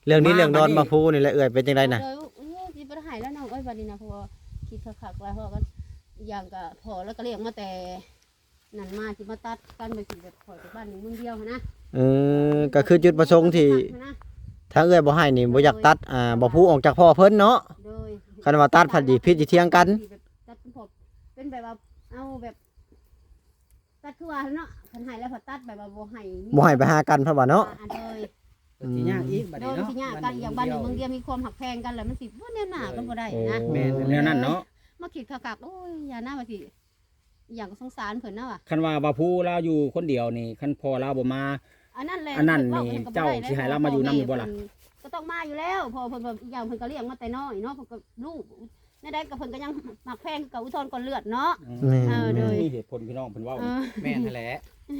เรื่องนี้เรื่องดอนมาพูนี่แหละเอ่ยเป็นจังไดน่ะสิบ่ได้ให้แล้วน้องบัดนี้นะเพราะว่าคิดคักๆแล้วเพราะก็อย่างก็พอแล้วก็เลี้ยงมาแต่นั่นมาสิมาตัดกันไปสิแบบขอยไปบ้านนึงมึงเดียวนะก็คือจุดประสงค์ที่ถ้าเอ่ยบ่ให้นี่บ่อยากตัดบ่พูออกจากพ่อเพิ่นเนาะคันว่าตัดผัดดีพิษสิเถียงกันตัดเป็นแบบว่าเอาแบบตัดคือว่าเนาะคันให้แล้วพอตัดแบบว่าบ่ให้ไปหากันเพราะว่าเนาะสิยากอีกบัดนี้เนาะสิยากกันอย่างบ้านนึงมึงเดียวมีความหักแพงกันแล้วมันสิบ่แน่หน้ากันบ่ได้นะแม่นแนวนั้นเนาะมาคิดคักๆโอ้ยอย่าหน้าว่าสิอย่างสงสารเพิ่นเนาะว่ะคันว่าบ่ผู้เราอยู่คนเดียวนี่คันพ่อเราบ่มาอันนั้นแหละนี่เจ้าสิให้เรามาอยู่นำอยู่บ่ล่ะก็ต้องมาอยู่แล้วพอเพิ่นอีกอย่างเพิ่นก็เลี้ยงมาแต่น้อยเนาะเพิ่นก็ลูกในใดก็เพิ่นก็ยังหมักแพงกับอุทธรก่อนเลือดเนาะโดยมีเหตุผลพี่น้องเพิ่นเว้าแม่นนั่นแหละ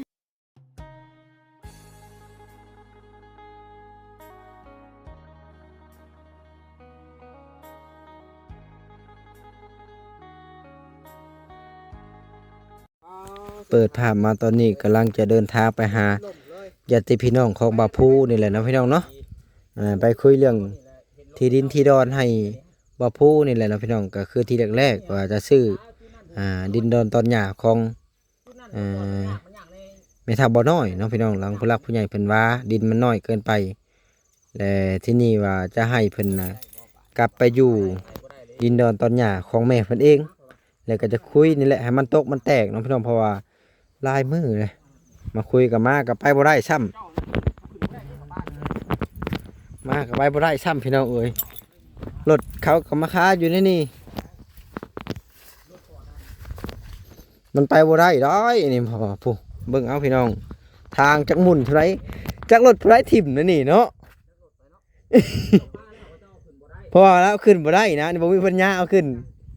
เปิดภาพมาตอนนี้กำลังจะเดินทางไปหาญาติพี่น้องของบ่าวผู้นี่แหละนะพี่น้องเนาะไปคุยเรื่องที่ดินที่ดอนให้บ่าวผู้นี่แหละนะพี่น้องก็คือที่แรกๆว่าจะซื้อดินดอนตอนหญ้าของแม่ทัพบ่น้อยเนาะพี่น้องหลังผู้หลักผู้ใหญ่เพิ่นว่าดินมันน้อยเกินไปและที่นี่ว่าจะให้เพิ่นกลับไปอยู่ดินดอนตอนหญ้าของแม่เพิ่นเองแล้วก็จะคุยนี่แหละให้มันตกมันแตกเนาะพี่น้องเพราะว่าลายมือเลยมาคุยกับมากับไปบ่ได้ซ้ำมากับไปบ่ได้ซ้ำพี่น้องเอ้ยรถเขากับมาค้าอยู่ในนี่มันไปบ่ได้ด้อยนี่พอผู้เบิ่งเอาพี่น้องทางจักหมุนเท่าไรจักรถเท่าไรถิ่มนั่นนี่เนาะ เพราะว่าแล้วขึ้นบ่ได้นะนี่บ่มีปัญญาเอาขึ้น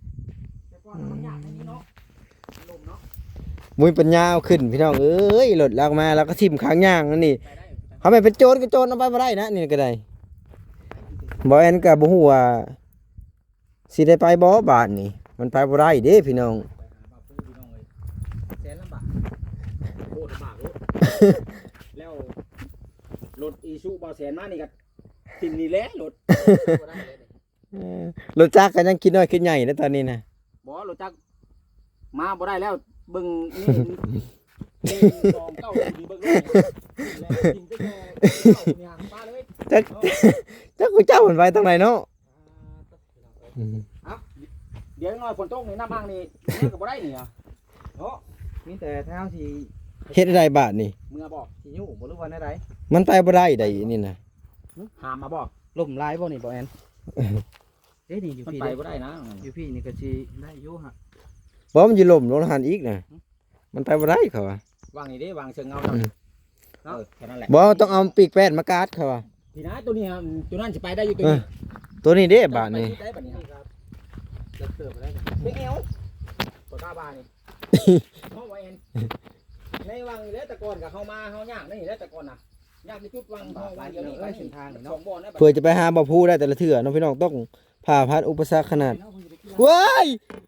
มุ้ยปัญญาเอาขึ้นพี่น้องเอ้ยรถลากมาแล้วก็ทิ่มข้างย่างนั่นนี่เขาไม่เป็นโจรก็โจรเอาไปบ่ได้นะนี่ก็ได้บ่แอนก็บ่ฮู้ว่าสิได้ไปบ่บาทนี่มันไปบ่ได้เด้พี่น้องแสนลำบากโคตรลำบากแล้วรถอีซูบ่แสนมานี่ก็ทิ่มนี่แหละรถรถจักรก็ยังคิดน้อยคิดใหญ่นะตอนนี้นะบ่รถจักรมาบ่ได้แล้วเบิ่งนี่2 9ดีเบิ่งเลยแล้วกินไปแค่ย่างปลาเลยจักกูเจ้ามันไปทางไหนเนาะเดี๋ยวน้อยฝนตกนี่น้ำบางนี่ก็บ่ได้นี่อ่ะเนาะมีแต่เท้าสิเฮ็ดได้บาทนี่เมื่อบอกสิอยู่บ่รู้ว่าได้มันไปบ่ได้ได้นี่นะหามมาบ่ล่มลายบ่นี่บ่แอนนี่อยู่พี่ไปบ่ได้นะอยู่พี่นี่ก็สิได้อยู่ฮะบ่มันสิล่มลงหันอีกนะมันไปบ่ได้เขาว่าวางนี่เด้วางเชิงเงาเนาะแค่นั้นแหละบ่ต้องเอาปีกแป้นมากาดเขาว่าพี่นะตัวนี้ตัวนั้นสิไปได้อยู่ตัวนี้เด้บาทนี่ได้บัดนี้ครับเลิกเติบไปได้เป็นเอวบ่กล้าบ้านี่เนาะว่าแอนในวังนี่แหละแต่ก่อนก็เฮามาเฮาย่างนี่แหละแต่ก่อนน่ะย่างที่จุดวังเฮาว่าเดี๋ยวนี้ไปเส้นทางนี่เนาะเพื่อจะไปหาบ่ผู้ได้แต่ละเทื่อน้องพี่น้องต้องผ่าพัดอุปสรรคขนาดว้าย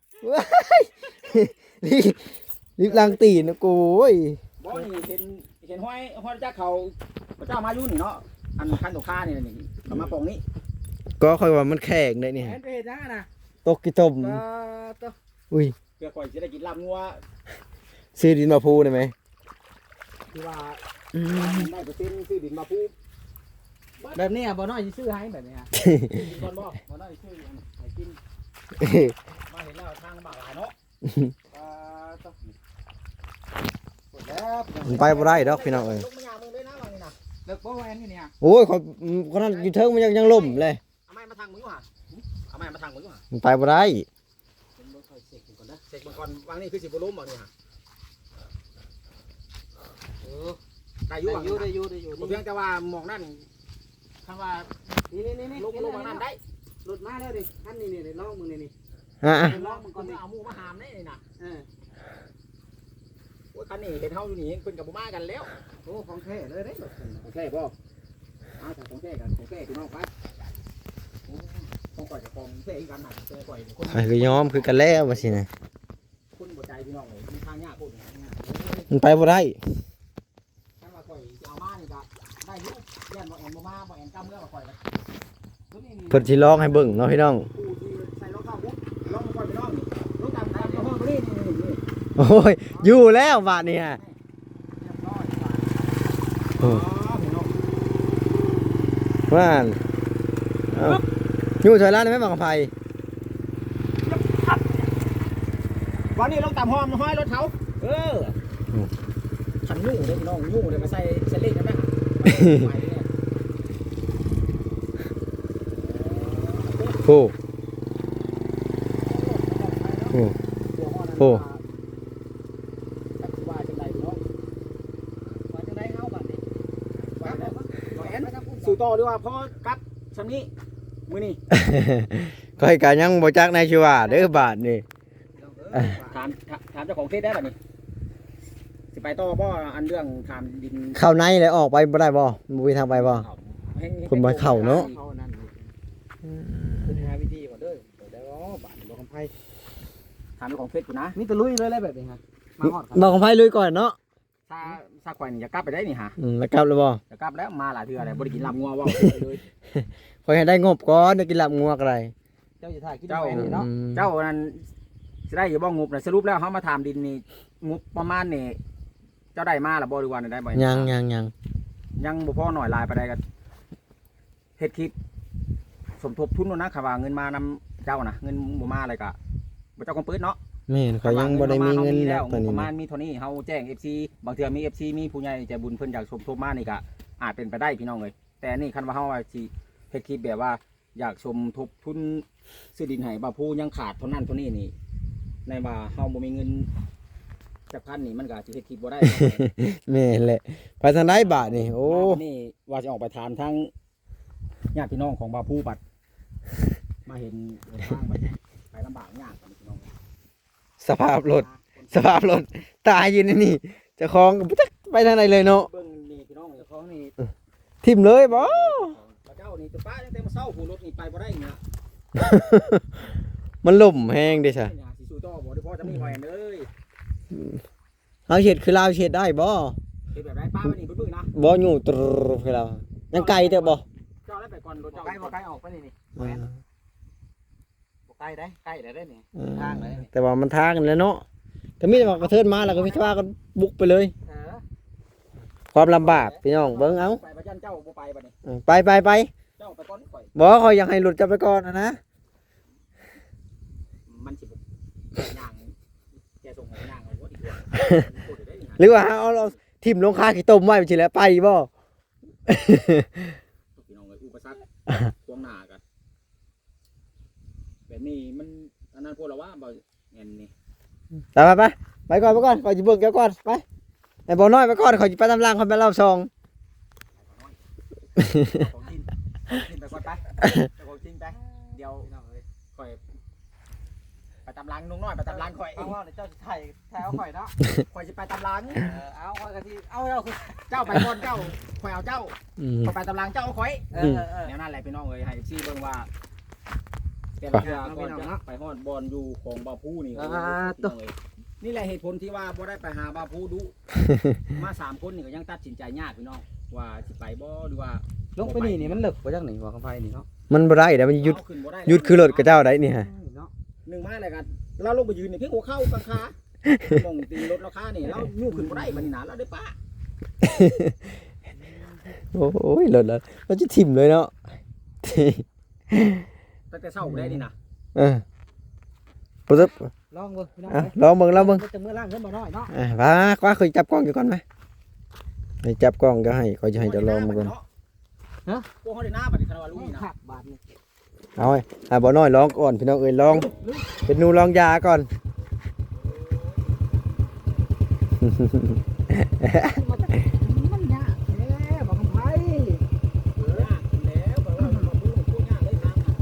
รีบล้างตีนนะกูโอ้ยบ่นี่เห็นห้อยจักเขาพระเจ้ามาอยู่นี่เนาะอันคันตกค่านี่นี่เอามาปองนี้ก็ค่อยว่ามันแข็งได้นี่แอนไปเฮ็ดจังน่ะตกกี่ต้มอุ้ยเพื่อข่อยสิได้กินลาบงัวซื้อดินมาพูได้มั้ยที่ว่าได้เปอร์เซ็นต์ซื้อดินมาพูแบบนี้บ่น้อยสิซื้อให้แบบนี้ฮะก่อนบ่น้อยซื้อให้กินมาเห็นแล้วทางบากหลายเนาะมันไปบ่ได้ดอกพี่น้องเอ้ยเลิกบ่แอนนี่เนี่ยโอ้ยคนนั้นอยู่เทิงมันยังล่มเลยเอาไม้มาทางมึงว่ะเอาไม้มาทางมึงว่ะมันไปบ่ได้เสกก่อนวางนี่คือสิบ่ล้มบ่นี่ฮะได้อยู่ได้อยู่เพียงแต่ว่ามองนั่นคำว่านี่ลงนั่นได้หลุดมาแล้วดิอันนี้ลองมึงนี่ลองมึงก่อนเอาหมูมาหามนี่น่ะโอ้ยคันนี้เห็นเฮาอยู่นี่เพิ่นกับบ่มากันแล้วโอ้ของแท้เลยเด้ของแท้บ่เอาแต่ของแท้กันของแท้พี่น้องไปของก่อยกับของแท้อีกกันน่ะแท้ก่อยคนก็ยอมคือกันแล้วว่าสินะคนบ่ใจพี่น้องเลยมีทางยากโคตรมันไปบ่ได้ถ้าว่าก่อยเอามานี่ก็ได้อยู่ย่านบ่แอนบ่มาบ่แอนก้าวเมื่อมาคอยกันตัวนี้นี่เพิ่นสิร้องให้เบิ่งเนาะพี่น้องผู้ที่ใส่รองเท้าบุ๊กลองมาคอยไปน้องนี่รถตามทางเจ้าห้องตัวนี้นี่โอ้ยอยู่แล้วบาดนี้ฮะเรียบร้อยบาดโอ้พี่น้องว่านเอ้าอยู่ถอยหล่างได้ไหมบางไผวันนี้ลงตามห้องห้อยรถเขาขันยุ่งเลยพี่น้องยุ่งเลยมาใส่เซเล็กกันไหมไปเนี่ยโอ้โอ้ โอ้ว่าจังไดพี่น้องว่าจังไดเอาบัดนี้ว่าแล้วบ่แอนสู่ต่อดีกว่าเพราะกับซำนี้มื้อนี้ก้อยกะยังบ่จักในชีว่าเด้อบาดนี่ถามเจ้าของเฟซได้บัดนี้สิไปต่อบ่อันเรื่องถามดินเข้าในแล้วออกไปบ่ได้บ่บ่มีทางไปบ่ คนบ่เข้าเนาะเข้านั่นคือหาวิธีก่อนเด้อเดี๋ยวบาดบ่คำไผถามเจ้าของเฟซกูนะมีแต่ลุยเลยอะไรแบบนี้ฮะมาฮอดครับบอกของไผลุยก่อนเนาะซาควายนี่จะกลับไปได้นี่ฮะแล้วกลับแล้วบ่จะกลับแล้วมาหลายเทื่ออะไรบ่ได้กินลำงัวว่าเลยขอยให้ได้งบก่อนได้กินลาบงัวก็ได้เจ้าจะถ่ายกินเจ้าแหวนนี่เนาะเจ้านั้นสิได้อยู่บ่งบน่ะสรุปแล้วเฮามาถามดินนี่งบประมาณนี่เจ้าได้มาล่ะบ่หรือว่าได้บ่ยังยังบ่พอหน่อยหลายไปได้ก็เฮ็ดคลิปสมทบทุนโน่นนะค่ะว่าเงินมานำเจ้านะเงินบ่มาอะไรก็บ่เจ้าคงปื้ดเนาะแม่นขอยยังบ่ได้มีเงินแล้แล้ว วตอนปนี้ระมาณนะมีเท่านี้เฮาแจ้ง FC บางเทื่อมี FC มีผู้ใหญ่ใจบุญเพิ่นอยากสมทบมานี่ก็อาจเป็นไปได้พี่น้องเอ้ยแต่นี่คันว่าเฮาว่าสิเฮ็ดคลิปแบบว่าอยากสมทบทุนซื้อดินให้บ่าวผู้ยังขาดเท่านั้นเท่านี้นี่ในว่าเฮาบ่มีเงินจักพันนี่มันก็สิเฮ็ดคลิปบ่ได้แม่นแหละไปทางไหนบาดนี่โอ้นี่ว่าจะออกไปถามทั้งญาติพี่น้องของบ่าวผู้บัดมาเห็นทางบัดไปลำบากยากกันพี่น้องสภาพรถตายอยู่ในนี่เจ้าของก็บ่จักไปทางไหนเลยเนาะเบิ่งนี่พี่น้องเจ้าของนี่ทิ่มเลยบ่พระเจ้านี่จะป้าตั้งแต่มาเช้าผู้รถนี่ไปบ่ได้นี่นะมันล่มแห้งเด้ซะนี่สิสู้ต่อบ่ได้พอจะมีแหวนเอ้ยเฮาเฮ็ดคือลาวเฮ็ดได้บ่เฮ็ดแบบไรป้าไปนี่บึ้งๆนะบ่อยู่ตรคือเรายังไกลเด้อบ่เจ้าได้ไปก่อนรถบ่เจ้าใกล้บ่ใกล้ออกไปนี่นี่อ่าบ่ใกล้ได้ใกล้ได้นี่อ่าทางเลยนี่แต่ว่ามันทางกันแล้วเนาะแต่มีแต่ว่ากระเทินมาแล้วก็วิทว่าก็บุกไปเลย ความลำบากพี่น้องเบิ่งเอาไปพระจันเจ้าบ่ไปบัดนี้ไปเจ้าไปก่อนข่อยบ่ขอยอยากให้หลุดจับไปก่อนนะมันสิบ่ย่างแกส่งให้ย่างเอาบ่ดีกว่าพูดได้นี่ฮะหรือว่าเอาทิ่มลงคาขี้ต้มไว้ไปสิแล้วไปบ่พี่น้องเอ้ยอุปสรรคพวงหน้ากันแบบนี้มันอันนั้นพวกเราว่าบ่แม่นนี่ไปก่อนขอยสิเบิ่งแกก่อนไปไอ้บ่น้อยไปก่อนขอยสิไปตำรางคนไปเล่าซองของจริงไปก่อนไปของจริงไปเดี๋ยวข่อยไปตำลังนุ่งน้อยไปตำลังข่อยเอาว่าเจ้าจะถ่ายเอาข่อยเนาะข่อยสิไปตำลังเอาข่อยก็สิเอาคือเจ้าไปก่อนเจ้าข่อยเอาเจ้าอืมข่อยไปตำลังเจ้าเอาข่อยเออแนวนั้นแหละพี่น้องเอ้ยให้ซี่เบิ่งว่าแต่ละเทื่อก่อนจะไปฮอดบอลอยู่ของบ่าวผู้นี่พี่น้องเอ้ยนี่แหละเหตุผลที่ว่าบ่ได้ไปหาบ่าวผู้ดุมา3คนนี่ก็ยังตัดสินใจยากพี่น้องว่าสิไปบ่หรือว่าลงไปนี่มันเลิกบ่จังนี่ว่าคำไผนี่เนาะมันบ่ได้เดี๋ยวมันหยุดเอาขึ้นบ่ได้หยุดคือรถกับเจ้าได้นี่ฮะเนาะหนึ่งมาเลยกันเราลงไปยืนนี่เพียงหัวเข้ากลางขามองตีรถเราขานี่เรายู่ขึ้นบ่ได้บัดนี้นะเราได้ป้าโอ้ยรถแล้วมันจะทิ่มเลยเนาะตั้งแต่เช้าบ่ได้นี่นะปุ๊บลองเบิ่งพี่น้องลองเบิ่งจะมื้อล่างเงินบ่น้อยเนาะว่าเคยจับกล้องอยู่ก่อนไหมให้จับกล้องก็ให้ขอยจะให้เจะลองมาก่อนฮะพวกเขาได้หน้าบัดนี้คารวาลุยนะหักบาทนี่เอาไอ้บ่น้อยลองก่อนพี่น้องเอ้ยลองเป็นหนูลองยาก่อนมันยากแท้บ่คำไผยากแล้วแบบว่าเราพูดยากเลยทางน่ะ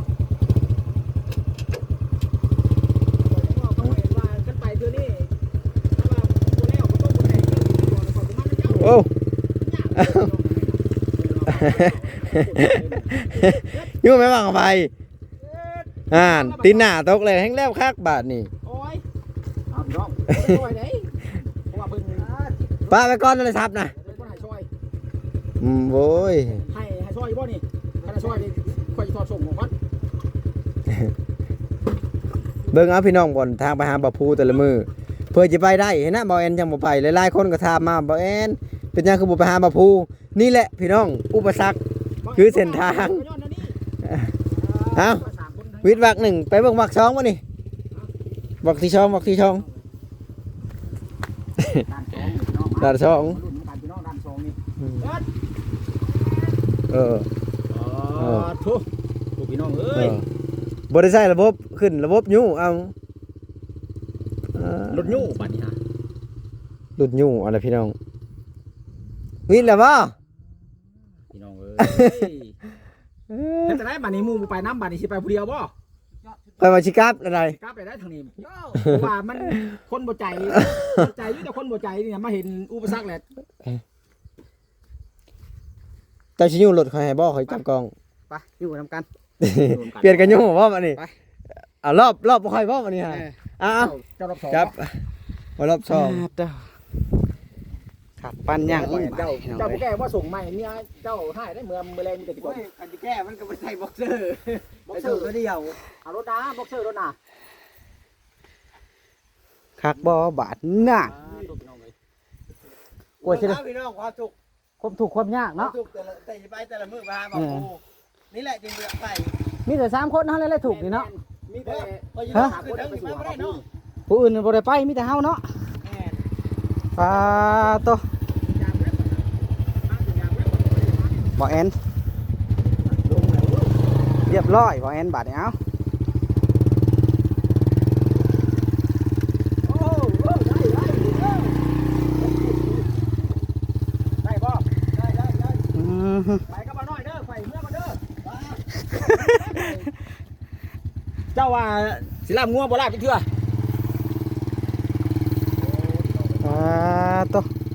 เขาเห็นว่าขึ้นไปเทื่อนี้ถ้าว่าบ่แล้วก็ต้องบ่ได้เจ้าโอ้ ยู่ไหมบังไปตีนหน้าตกเลยแห้งแล้วคักบาทนี่โอ้ยเอาพี่น้องช่วยได้เพราะว่าเบิ่งป้าไปก่อนโทรศัพท์นะเบิ่งบ่ให้ช่วยโว้ยให้ช่วยบ่นี่ถ้าช่วยนี่ค่อยสิทอดส่งของก่อนเบิ่งเอาพี่น้องบ่อนทางไปหาบ่อภูแต่ละมือเพื่อจะไปได้เห็นนะบ่แอนยังบ่ไปหลายๆคนก็ถามมาบ่แอนเป็นยังคือบ่ไปหาบ่อภูนี่แหละพี่น้องอุปสรรค คือเส้นทาง เอ้า วิทย์วักหนึ่งไปเบิ่งวักสองบ่นี่วักที่ช่องวักที่ช่องด้านสองด้านสองรุ่นกันพี่น้องด้านสองนี่เอออ๋อทุกพี่น้องเอ้เอย อบริษัทระบบขึ้นระบบยูเอารถยู่บัดนี้ฮะหลุดยูอะไรพี่น้องวินแล้วบ่พี่น้องเอ้ยเฮ็ดจะได้บัดนี้หมู่ไปน้ำบัดนี้สิไปผู้เดียวบ่ไปมาชิกับอะไรกลับไปได้ทางนี้ว่ามันคนบ่ใจอยู่แต่คนบ่ใจนี่มาเห็นอุปสรรคแหละแต่ชิยูรถคอยให้บ่คอยจับกล้องไปอยู่นำกันเปลี่ยนกันยูบ่มานี่ไปเอารอบบ่คอยบ่มานี่ฮะเอาเจ้ารอบสองจับมารอบสองขัดปันย่างเจ้าผู้แก่ว่าส่งใหม่เนี่ยเจ้าให้ได้เมื่อแรงมีแต่ที่ก่อนอันที่แก้มันก็ไม่ใช่บ็อกเซอร์บ็อกเซอร์ก็เดียวเอารถนะบ็อกเซอร์รถนะคักบ่บาดหน้ากลัวใช่ไหมพี่น้องความสุขความถูกความยากความเนาะสุขแต่ไปแต่ละมื้อมาหาบ่อภูนี่แหละจริงๆไปมีแต่3คนเท่านั้นแหละถูกนี่เนาะมีแต่ฮะคนไปสู่บ่ได้เนาะผู้อื่นบ่ได้ไปมีแต่เฮาเนาะปลาโตบ่แอนเรียบร้อยบ่แอนบาดนี้เอาได้บ่ได้อืมไปกับบ่น้อยเด้อไปเมื่อมาเด้อเจ้าว่าสิลาบงัวบ่ลาบจักเทื่อปลาโต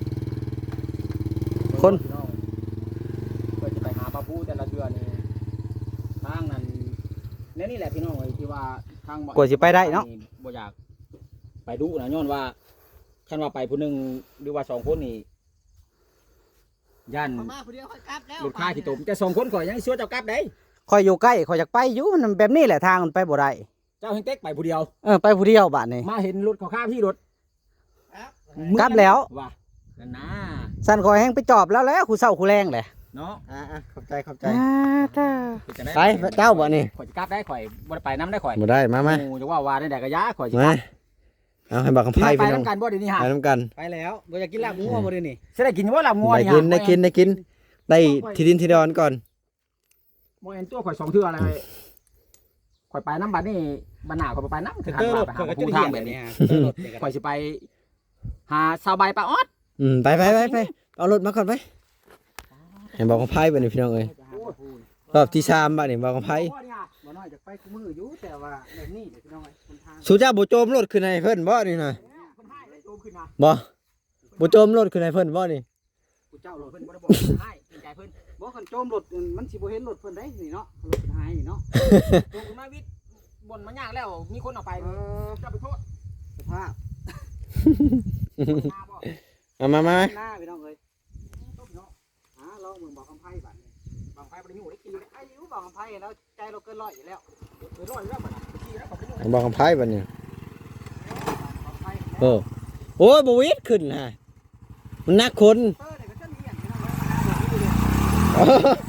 คนเพื่อจะไปหาปลาปูแต่ละเดือนนี่ทางนั้นนี่แหละพี่น้องเอ้ยที่ว่าทางกว่าสิไปได้เนาะบ่อยากไปดูนะย้อนว่าคันว่าไปผู้หนึงหรือว่า2คนนี่ย่านมาผู้เดียวค่อยกลับแล้วรถค่าขี้ตมแต่2คนข่อยยังสิว่าเจ้ากลับได้คอยอยู่ใกล้คอยอยากไปอยู่มันแบบนี้แหละทางมันไปบ่ได้เจ้าเฮงเต็กไปผู้เดียวไปผู้เดียวบาดนี้มาเห็นรถเขาข้ามที่รถกลับแล้วว่านั่นนะสั่นคอยแห้งไปจอบแล้วคู่เศร้าคู่แรงแหละเนาะขอบใจขอบใจเป็นจังด้ไปเจ้าบ่นี่ข่อยจะกลับได้ข่อยบ่ได้ไปน้ำได้ข่อยบ่ได้มาหมู่จะว่าได้กระยะข่อยสิมาเอาให้บักคำไพ่ไปพี่น้องน้ำกันบ่เดี๋ยวนี้ฮะไปน้ำกันไปแล้วบ่อยากกินลาบงัวบ่ได้นี่สิได้กินว่าลาบงัวได้นี่กิฮะนได้กินได้กินได้ที่ดินที่ดอนก่อนบ่เห็นตัวข่อย2เทื่ออะไรข่อยไปน้ำบัดนี่บัดหน้าข่อยบ่ไปน้ำคือหันว่าไปหาผู้ทางแบบนี้ข่อยสิไปหาสาวใบปลาออดไปเอารถมาก่อนไปให้บอกคำไพ่บ่นี่พี่น้องเอ้ยรอบที่3บ่นี่บอกคำไพ่บ่น้อยจะไปคู่มืออยู่แต่ว่าแบบนี้เดี๋ยวพี่น้องคนทางสุเจ้าบ่โจมรถขึ้นให้เพิ่นบ่นี่น่ะเพิ่นให้ได้โจมขึ้นนะบ่บ่โจมรถขึ้นให้เพิ่นบ่นี่กูเจ้ารถเพิ่เพิ่นนบ่ได้บอกให้เกรงใจเพิ่นบ่คันโจมรถมันสิบ่เห็นรถเพิ่นได้นี่เนาะรถเพิ่นหายนี่เนาะโจมขึ้นมาวิทย์บ่นมายากแล้วมีคนเอาไปเจ้าไปโทษสภาพหน้าบ่เอามาหน้าพี่น้องเอ้ยลองมึงบอกคำไพ่บัดนี้บางไฟบ่ได้อยู่ได้กินได้ไอ้อยู่บอกคำไพ่แล้วใจเราเกินร้อยอยู่แล้วไปร้อยแล้วบัดน่ะขี้แล้วก็ไปอยู่ให้บอกคำไพ่บ่นี่คำไพ่โอ้ยบ่วิดขึ้นฮะมันนักคนเตอร์เนี่ยก็จะมีอย่างพี่น้อง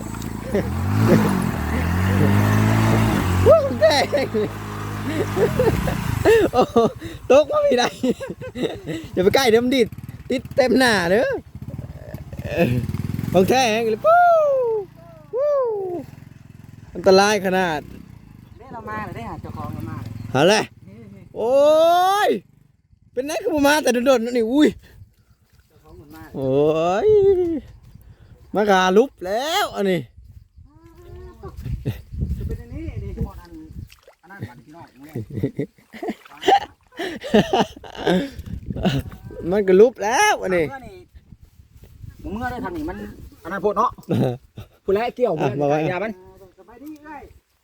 เอ้ยวู้แดงโอ้ตกมาไม่ได้อย่าไปใกล้เดี๋ยวมันติดเต็มหน้าเด้อบางแท้งเลยปู้วู้อันตรายขนาดได้เรามาเลยได้หาเจ้าของเรามาเลยหาเลยโอ้ยเป็นไงคือมาแต่โดนๆนี่อุ้ยเจ้าของมันมาโอ้ยมากาลุบแล้วอันนี้จะเป็นอันนี้ดิทุกคนอันนั้นบัดพี่น้องเนี่ยมันก็ลุบแล้วอันนี้เมื่อได้ทางนี้มันอันนั้นโพดเนาะผู้แลเกี่ยวเมื่อยามันสบายดีเอ้ย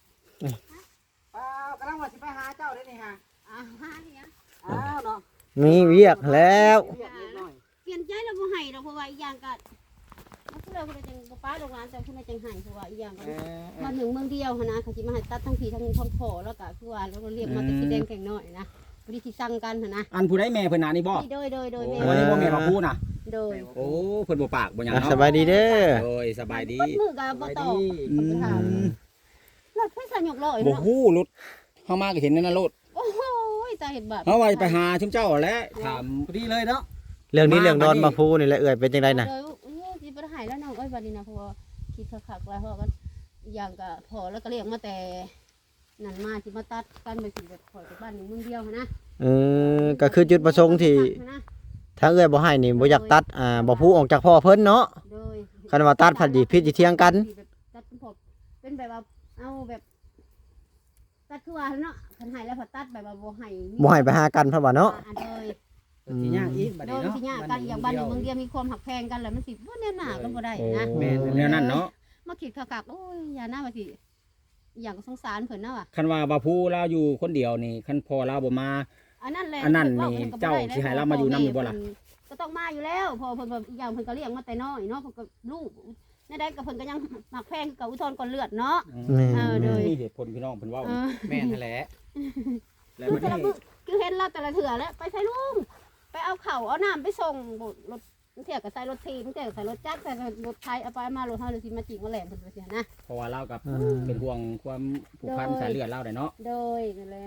กำลังว่าสิไปหาเจ้าได้นี่ฮะหาเนี่ยอ้าวเนาะมีเวียกแล้วเรียกนิดหน่อยเปลี่ยนใจแล้วบ่ให้ดอกเพราะว่าอีกอย่างก็มาโคผู้ใดจังบ่ป้าโรงงานแต่ผู้ใดจังให้เพราะว่าอีหยังก็มาถึงเมืองเดียวหันนะเขาสิมาให้ตัดทั้งพี่ทั้งพ่อแล้วก็คือว่าแล้วก็เรียกมาแต่สีแดงแข็งน้อยนะบ่ได้สิสั่งกันหันนะอันผู้ใดแม่เพิ่นน่ะนี่บ่โดยแม่วันนี้บ่แม่มาพูดน่ะโดยโอ้เพิ่นบ่ปากบ่หยังอ่ะเนาะสบายดีเด้อโอ้ยสบายดีมือก็บ่ตอบอืมรถไฟสยกลอยบ่เนาะฮู้รถเฮามาก็เห็นนั่นน่ะรถโอ้โหตาเห็นบาปเฮาว่าไปหาชุมเจ้าแหล้วถามพอดีเลยเนาะเรื่องนี้เรื่องดอนมาพูนี่แหละเอ่ยเป็นจังไดน่ะโดยสิบ่ได้ให้แล้วน้องบัดนี้นะเพราะว่าคิดคักๆแล้วเพราะก็อย่างก็พอแล้วก็เรียกมาแต่นั่นมาสิมาตัดกันไปสิแบบข่อยไปบ้านนึงเมืองเดียวนะก็คือจุดประสงค์ที่ถ้าเอ่ยบ่ให้นี่บ่อยากตัดบ่พูออกจากพ่อเพิ่นเนาะโดยคันว่าตัดผัดสิผิดสิเถียงกันตัดเป็นพวกเป็นแบบว่าเอาแบบตัดคือว่าเนาะคันให้แล้วพอตัดแบบว่าบ่ให้บ่ให้ไปหากันเพราะว่าเนาะโดยสิยากอีกบัดโดนี้ยเนาะสิยากกันอย่างบ้านหนึ่งเมืองเดียวมีความหักแพงกันแล้วมันสิบ่แน่หนากันบ่ได้นะแม่นแนวนั้นเนาะมาคิดคักๆโอ้ยอย่าหน้าว่าสิอย่างก็สงสารเพิ่นเนาะว่ะคันว่าบ่ผู้เราอยู่คนเดียวนี่คันพ่อเราบ่มาอันนั้นแหละอันนั้นพิ่นี่ก็บ่เจ้าได้สิให้เรามาอยู่นำอยู่บ่ล่ะก็ต้องมาอยู่แล้วพอเพิ่นแบบอีกอย่างเพิ่นก็เลี้ยงมาแต่น้อยเนาะเพิ่นก็ลูกในใดก็เพิ่นก็ยังหักแพงกับอุทธรณ์ก่อนเลือดเนาะ โดยมีเหตุผลพี่น้องเพิ่นเว้าเออแม่นนั่นแหละแล้วคือมันแต่ละให้มื้อคือเห็นเราแต่ละเถื่อแล้วไปใส่ลุงไปเอาข้าวเอาน้ำไปส่งรถเที่ยก็ใส่รถทีเที่ยก็ใส่รถจักรใส่รถไทยเอาไปมารถเฮาเลยสิมาจิกมาแหลมเพิ่นว่าเสียนะเพราะว่าเรากับเป็นห่วงความผูกพันสายเลือดเราได้เนาะโดยนั่นแล้ว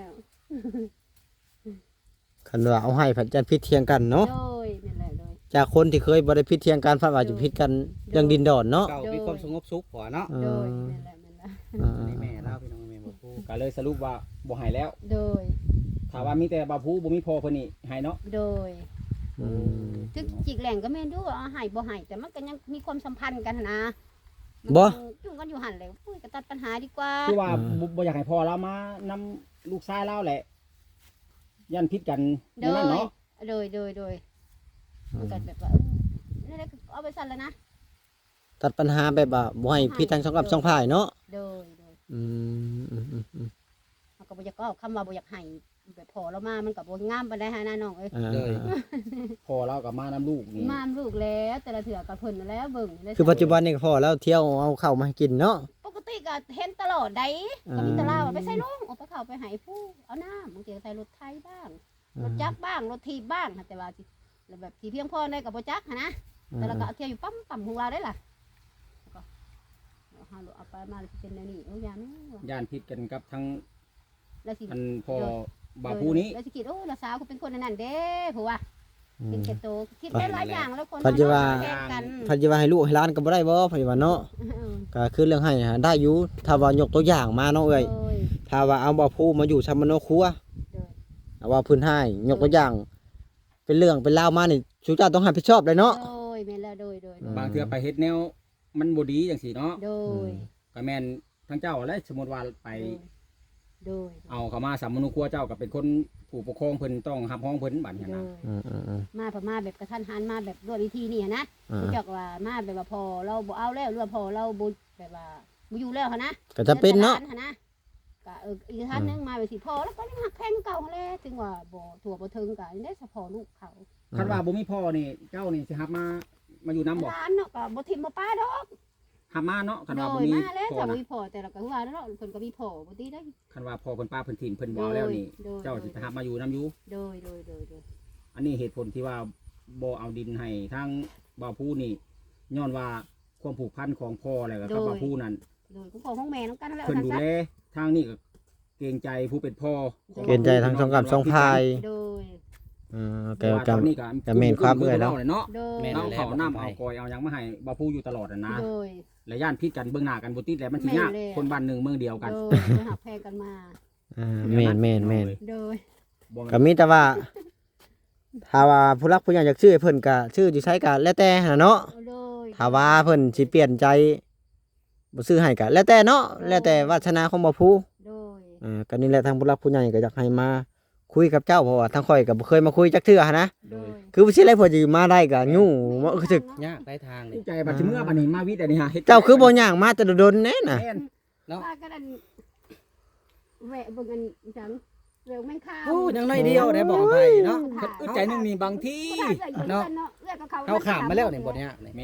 คันว่าเอาให้ผัดจันผิดเถียงกันเนาะโดยนั่นแหละโดยจากคนที่เคยบ่ได้ผิดเถียงกันพัดว่าจะผิดกันเรื่องดินดอนเนาะเก่ามีความสงบสุขพอเนาะโดยนั่นแหละนั่นแหละอันนี้แม่เล่าพี่น้องแม่บ่พูดก็เลยสรุปว่าบ่ให้แล้วโดยถ้าว่ามีแต่บ่ผู้บ่มีพ่อเพิ่นนี่ให้เนาะโดยอืมถึงจิกแหล่งก็แม่นดูว่าเอาให้บ่ให้แต่มันก็ยังมีความสัมพันธ์กันนะบ่จุ่งกันอยู่หั่นเลยปุ้ยก็ตัดปัญหาดีกว่าคือว่าบ่อยากให้พ่อเรามานำลูกชายเราแหละยันพิษกันในนั้นเนาะโดยมันก็แบบว่านี่แหละเอาไปสั่นแล้วนะตัดปัญหาแบบว่าบ่ให้ผิดทั้งสองกับสองฝ่ายเนาะโดยอืมมันก็บ่อยากก็คำว่าบ่อยากให้แบบพอเรามามันก็บ่งามปานใดหาหน้าน้องเอ้ยเลยพ่อเรากับมานำลูกนี่มามลูกแล้วแต่ละเถื่อกับเพิ่นนั่นแหล้วเบิ่งได้คือปัจจุบันนี่ก็พอแล้วเที่ยวเอาข้าวมาให้กินเนาะปกติก็เห็นตลอดได้ก็มีแตลาว่าไปใส่ลุงเอาไปเข้าไปให้ผู้เอาน้ำบางทีก็ใส่รถไทยบ้างรถจักรบ้างรถทีบบ้างแต่ว่าสิแล้วแบบที่เพียงพอได้ก็บ่จักหันนะแต่ละก็เอาเที่ยวอยู่ปั๊มของเราได้ล่ะก็เอาไปมาสิเป็นแนวนี้โอ้ยาแม่ว่ะย่านพิษกันกับทั้งแล้วสิอันพ่อบ่ผู้นี้แล้วสิคิดโอ้ละสาวก็เป็นคนอันนั้นเด้ผัวเป็นแกโตคิดได้หลายอย่างแล้วคนปัจจุบันแทนกันพันจะว่าให้ลูกให้หล้านก็บ่ได้บ่ปัจจุบันเนาะก็คือเรื่องให้หาได้อยู่ถ้าว่ายกตัวอย่างมาเนาะเอ้ยโดยถ้าว่าเอาบ่ผู้มาอยู่ชามโนครัวโดยเอาว่าเพื้นให้ยกตัวอย่าง เป็นเรื่องเป็นราวมานี่ชูเจ้าต้องรับผิดชอบเลยเนาะโดยแม่นแล้วโดยบางเทื่อไปเฮ็ดแนวมันบ่ดีจังซี่เนาะโดยก็แม่นทั้งเจ้าและสมมุติว่าไปโดยเอาเข้ามาสามมนุครัวเจ้าก็เป็นคนผู้ปกครองเพิ่นต้องรับห้องเพิ่นบัดนี้โดนะยอืมมาพม่าแบบกระทันหันมาแบบด้วยวิธีนี่นะรู้จักว่ามาแบบว่าพอเราบ่เอาแล้วหรือว่าพอเราบ่แบบว่าบ่อยู่แล้วหันนะก็จะเป็นเนาะหั้นะก็อีกท่านนึงมาแบบสิพอแล้วก็ยังหักแพงเก่าหั้นแหละถึงว่าบ่ถั่วบ่ถึงก็ได้เฉพาะลูกเขาคันว่าบ่มีพ่อนี่เจ้านี่สิรับมาอยู่นํบ่ร้านเนาะก็บ่ทิ่มบ่ป้าดอกรับมาเนาะคันโดว่าบ่ยมีมาแล้วพ่อถ้าบ่นะมีพ่อแต่ละก็ว่าเนาะเพิ่นก็มีพ่อบ่ติได้คันว่าพ่อเพิ่นป้าเพิ่นถิ่นเพิ่นบ่เอาแล้วนี่โดยเจ้าสิไปรับมาอยู่นํอยู่โดยอันนี้เหตุผลที่ว่าบ่เอาดินให้ทางบ่าวผู้นี่ย้อนว่าความผูกพันของพ่อแล้วก็กับบ่าวผู้นั่นโดยคุณพ่อของแม่นำกันนั่นแหละเพิ่นดูแลทางนี้ก็เกรงใจผู้เป็นพ่อเกณฑ์ใจทั้งสองกับสองฝ่ายโดยแกก็ตอนนี้ก็ก็แม่นความเอื้อยแล้วเนาะโดยแม่นเอาเขาน้ำเอากอยเอาหยังมาให้บ่าวผู้อยู่ตลอดน่ะนะโดยและย่านพิษกันเบื้องหน้ากันบ่ติดแล้วมันสิยากแม่นเลยคนบ้านหนึ่งเมืองเดียวกันโดยหักแพงกันมาแม่นโดยบ่ก็มีแต่ว่าถ้าว่าผู้รักผู้ใหญ่อยากชื่อให้เพิ่นก็ชื่อสิใช้ก็แล้วแต่หั่นเนาะโดยถ้าว่าเพิ่นสิเปลี่ยนใจบ่ซื้อให้ก็แล้วแต่เนาะแล้วแต่วาสนาของบ่ผู้โดยก็นี่แหละทางผู้รักผู้ใหญ่ก็อยากให้มาคุยกับเจ้าเพราะว่าทางข่อยก็บ่เคยมาคุยจักเทื่อหันนะโดยคือบ่สิได้เพิ่นสิมาได้ก็ยู่ว่าคือสึกยากได้ทางนี่ใจบัดสิเมื่อบัดนี้มาวิทย์อันนี้ฮะฮ็ดเจ้าคือบ่ย่างมาแต่โดนๆแน่น่ะแม่นว่ากันอันแหวะเบิ่งกันจังเร็วแม่งข้าวโอ้ยังน้อยเดียวได้บอกไปเนาะอึดใจหนึงนี่บางทีเนาะเนาะเอื้อกับเขาเฮาข้ามมาแล้วนี่บ่เนี่ยนี่แม่น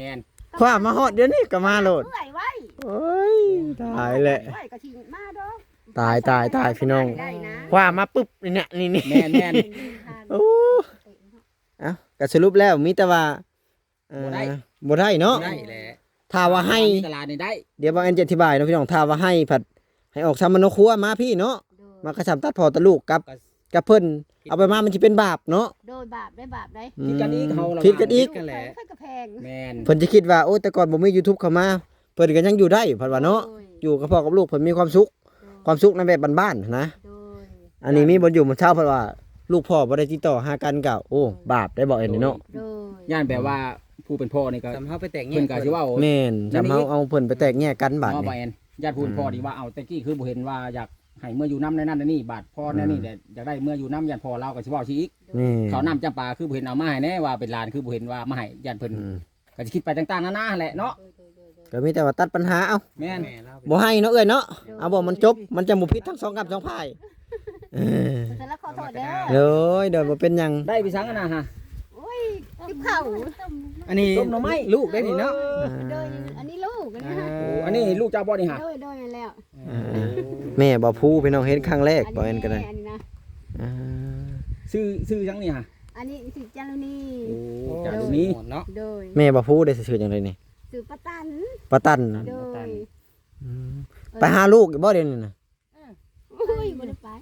คว้ามาฮอดเดี๋ยวนี้ก็มาโลดเมื่อยไว้โอ้ยตายแหละไว้ก็สิมาดอกตายพี่น้องได้นะคว้ามาปุ๊บนี่เนี่ยนี่แม่นแม่นโอ้เอ้าก็สรุปแล้วมีแต่ว่าบ่ได้เนาะได้แหละถ้าว่าให้ตลาดนี่ได้เดี๋ยวบางอันจะอธิบายเนาะพี่น้องถ้าว่าให้ผัดให้ออกซ้ำมันโนครัวมาพี่เนาะมากระชับตัดพอตะลูกกับเพิ่นเอาไปมามันสิเป็นบาปเนาะโดยบาปได้บาปได้คิดกันอีกเฮาคิดกันอีกกันแหละค่อยกระแพงแม่นเพิ่นจะคิดว่าโอ้แต่ก่อนบ่มี YouTube เข้ามาเพิ่นก็ยังอยู่ได้เพิ่นว่าเนาะอยู่กับพ่อกับลูกเพิ่นมีความสุขในแบบบ้านๆนะโดยอันนี้มีบ่อยู่มื้อเช้าเพิ่นว่าลูกพ่อบ่ได้ติดต่อหากันก็โอ้บาปได้บอกเอ็นเนาะโดยย่านแบบว่าผู้เป็นพ่อนี่ก็ทำเฮาไปแต่งเพิ่นก็สิว่าแม่นจำเฮาเอาเพิ่นไปแตกแยกกันบาดเนาะนี่บ่แอนญาติผู้เป็นพ่อนี่ว่าเอาแต่กี้คือบ่เห็นว่าอยากให้เมื่ออยู่น้ำในนั่นในนี่บาดพ่อในนี่แต่อยากได้เมื่ออยู่น้ำญาติพ่อเราก็สิเว้าสิอีกนี่เขาน้ำจำปาคือบ่เห็นเอามาให้แน่ว่าเป็นหลานคือบ่เห็นว่ามาให้ญาติเพิ่นอืมก็สิคิดไปต่างๆนานาแหละเนาะก็มีแต่ว่าตัดปัญหาเอาแม่นแม่เราบ่ให้เนาะเอ้ยเนาะเอาบ่มันจบมันจะบ่ผิดทั้งสองกับสองฝ่ายเออเสร็จแล้วขอโทษเด้อเลยเดี๋ยวบ่เป็นหยังได้พี่สังกันนะฮะโอ้ยทิพเข่าอันนี้ต้มหน่อไม้ลูกได้นี่เนาะโดยอันนี้ลูกอันนี้ฮะโอ้อันนี้ลูกเจ้าบ่นี่ฮะโดยแล้วแม่บ่พูพี่น้องเห็นครั้งแรกบ่เอ็นก็ได้อันนี้นะอ่าซื้อจังนี่ฮะอันนี้สิจารุณีโอ้จากตรงนี้เนาะโดยแม่บ่พูได้ซื่อๆจังไดนี่สื่อประตันปะตันโดยไปหาลูกอยู่บ่เดี๋ยวนี้น่ะโอ้ยบ่ได้ไป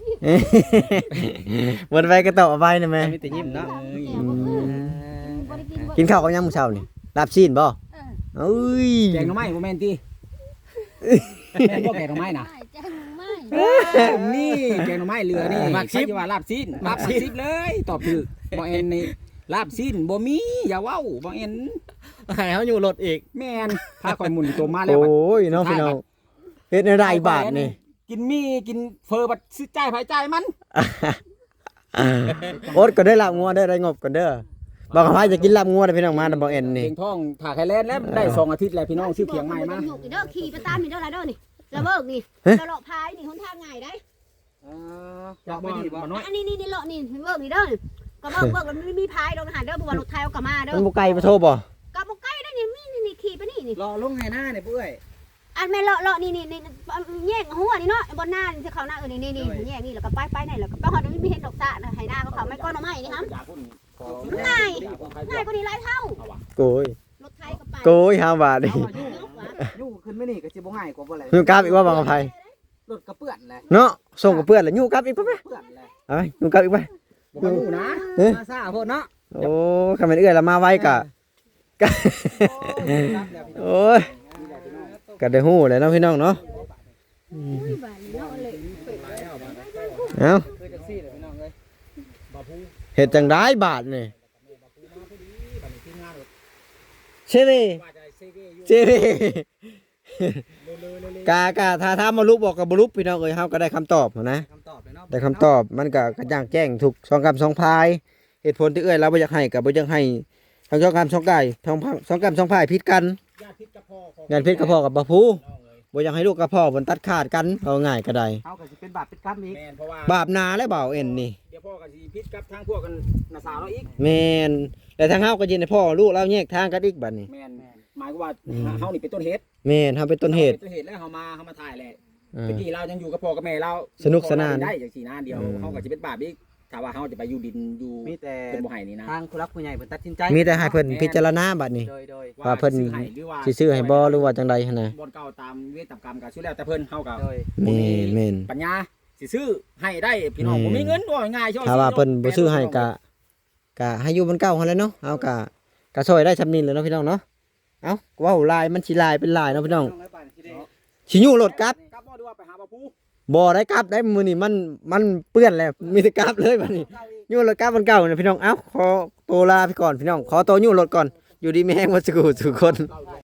บ่ได้ไปก็ตอบเอาไปนะแม่มีแต่ยิ้มเนาะบ่ได้กินบ่กินข้าวกับหยังมื้อเช้านี่ลาบซีนบ่เอ้ยแกงหน่อไม้บ่แม่นติแม่นบ่แกงหน่อไม้น่ะไม่จังไม่นี่แกงหน่อไม้เรือนี่มักซิบว่าลาบซีนมักซิบเลยตอบถูกบ่แอนนี่ลาบซีนบ่มีอย่าเว้าบ่แอนให้เฮาอยู่รถอีกแม่นพาข่อยหมุนตัวมาแล้วโอ้ยเนาะพี่น้องเฮ็ดในได้บาทนี่กินมีกินเฟอร์บัดซื้อจ่ายไผจ่ายมันโอ๊ตก็ได้ลาบงัวได้งบก่อนเด้อบอกว่าจะกินลาบงัวได้พี่น้องมาบ่เอ็นนี่เพียงท้องถ่าไข่แลนแล้วได้2อาทิตย์แล้วพี่น้องซื้อเคียงใหม่มาอยู่เด้อขี่ไปตามนี่เด้อล่ะเด้อนี่ระเบิกนี่ตลอดพายนี่หนทางง่ายได้จากบ่บ่น้อยอันนี้นี่เลาะนี่เบิกนี่เด้อก็เบิกมันมีพายดอกหาเด้อบ่ว่ารถไทยเอากลับมาเด้อมันบ่ไกลบ่โทรบ่กับบ่ใกล้ได้นี่มีนี่ขี่ไปนี่นี่รอลงให้หน้าเนี่ยปุ้ยอันแม่เลาะนี่แยกหัวนี่เนาะบนหน้าที่เขาหน้านี่แยกนี่แล้วก็ไปไหนแล้วก็ไปฮอดไม่เห็นดอกสะนะให้หน้าเขาไม่ก้อนเอาไม้นี่ครับง่ายกว่านี้หลายเท่าโกยรถไทยก็ไปโกย5บาทนี่ยู่ขึ้นไม่นี่ก็สิบ่ง่ายกว่าบ่แหละยูกลับอีกว่าบางอภัยรถกระเปื้อนแหละเนาะส่งกับเพื่อนแล้วยูกลับอีกไปเปื้อนแหละเอาไปยูกลับอีกไปบ่รู้นะมาซ่าโพดเนาะโอ้คำเป็นเอื้อยละมาไว้กะโอ้ยก็ได้ฮู้เลยเนาะพี่น้องเนาะเอาคือจังซี่แหละพี่น้องเอ้ยเฮ็ดจังได้บาทนี่เชวีเชวีกาถ้ามาลุกบอกกับบ่ลุกพี่น้องเอ้ยเฮาก็ได้คำตอบนะคำตอบเลยเนาะได้คำตอบมันก็กระจ่างแจ้งทุกสองคำสองพายเหตุผลที่เอื้อยเราบ่อยากให้กับบ่อยากให้ทั้งสองคำสองกายสองคำสองพายผิดกันญาติพิษกับพ่อของงานผิดกับพ่อกับบ่ผู้บ่อยากให้ลูกกับพ่อมันตัดขาดกันเอาง่ายก็ได้เฮาก็สิเป็นบาปเป็นกรรมอีกแม่นเพราะว่าบาปนาและบ่าวเอ็นนี่เดี๋ยวพ่อก็สิพิษกับทางพวกกันนาสาวเราอีกแม่นแต่ทางเฮาก็ยินให้พ่อลูกเราแยกทางกันอีกบัดนี้แม่นหมายความว่าเฮานี่เป็นต้นเหตุแม่นเฮาเป็นต้นเหตุเป็นต้นเหตุแล้วเฮามาถ่ายแหละอ่าเมื่อกี้เรายังอยู่กับพ่อกับแม่เราสนุกสนานได้อย่างสี่นานเดียวเฮาก็สิเป็นบาปอีกถ้าว่าเฮาจะไปอยู่ดินอยู่มีแต่เป็นบ่ให้นี่นะทางผู้รักผู้ใหญ่เพิ่นตัดสินใจมีแต่ให้เพิ่นพิจารณาบัดนี้โดยว่าเพิ่นซื้อให้หรือว่าสิซื้อให้บ่หรือว่าจังใดหั่นน่ะบ่อนเก่าตามเวทตามกรรมก็สุดแล้วแต่เพิ่นเฮาก็โดยแม่นแม่นปัญญาสิซื้อให้ได้พี่น้องบ่มีเงินว่าง่ายๆช่วยถ้าว่าเพิ่นบ่ซื้อให้ก็ให้อยู่บนเก่าหั่นแหละเนาะเอาก็ช่วยได้ซำนี้แหล้วเนาะพี่น้องเนาะเอ้าเว้าลายมันสิลายเป็นลายเนาะพี่น้องสิอยู่รถกลับกลับบ่ดีว่าไปหาบ่ผู้บ่ได้กลับได้มื้อนี้มันเปื้อนแล้วมีแต่กลับเลยบัดนี้อยู่รถกลับมันเก่าเนี่ยพี่น้องเอ้าขอตัวลาไปก่อนพี่น้องขอตัวอยู่รถก่อนอยู่ดีมีแฮงบ่สุขทุกคน